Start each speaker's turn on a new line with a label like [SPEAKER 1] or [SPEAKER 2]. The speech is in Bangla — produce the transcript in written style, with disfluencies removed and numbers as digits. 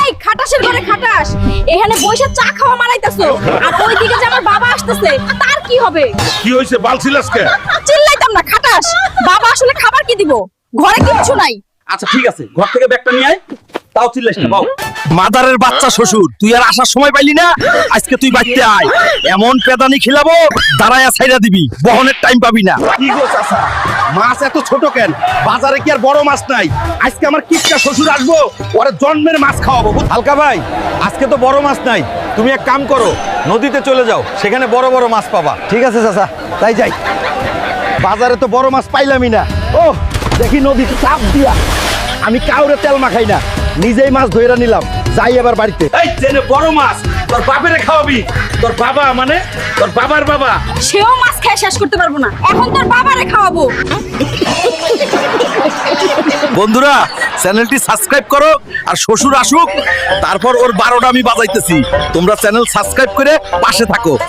[SPEAKER 1] এই খাটাসের ঘরে খাটাস, এখানে বসে চা খাওয়া মারাইতাছো, আর ওইদিকে যে আমার বাবা আসতেছে তার কি হবে?
[SPEAKER 2] কি হইছে বালছিলাস কে?
[SPEAKER 1] চিল্লাইতাম না খাটাস, বাবা আসলে খাবার কি দিব, ঘরে কিচ্ছু নাই।
[SPEAKER 3] আচ্ছা ঠিক আছে, ঘর থেকে ব্যাগটা নিয়ে আয়। তাও চিল্লাস না, বাও।
[SPEAKER 4] মাদারের বাচ্চা শ্বশুর, তুই আর আসার সময় পাইলি না? আজকে তুই বাইতে আয়, এমন পেদানি খিলাবো দাঁড়ায়া ছাইরা দিবি, বহনের টাইম পাবি না।
[SPEAKER 2] কি গো চাচা, মাছ এত ছোট কেন? বাজারে কি আর বড় মাছ নাই? আজকে আমার কিপটা শ্বশুর আসবো, ওরে জন্মের মাছ খাওয়াবো।
[SPEAKER 5] হালকা ভাই, আজকে তো বড় মাছ নাই, তুমি এক কাম করো, নদীতে চলে যাও, সেখানে বড় বড় মাছ পাবা।
[SPEAKER 4] ঠিক আছে চাচা, তাই যাই। বাজারে তো বড় মাছ পাইলামই না। ও দেখি নদীতে চাপ দিয়া, আমি কাউরে তেল মাখাই না, নিজেই মাছ ধইরা নিলাম, যাই এবার বাড়িতে।
[SPEAKER 2] এই জেনে বড় মাছ তোর বাপেরে খাওয়াবি? তোর বাবা মানে তোর বাবার বাবা।
[SPEAKER 1] সেও মাছ খেয়ে শেষ করতে পারবো না, এখন তোর বাবারে খাওয়াবো।
[SPEAKER 4] বন্ধুরা, চ্যানেলটি সাবস্ক্রাইব করো, আর শ্বশুর আসুক তারপর ওর 12টা আমি বাজাইতেছি। তোমরা চ্যানেল সাবস্ক্রাইব করে পাশে থাকো।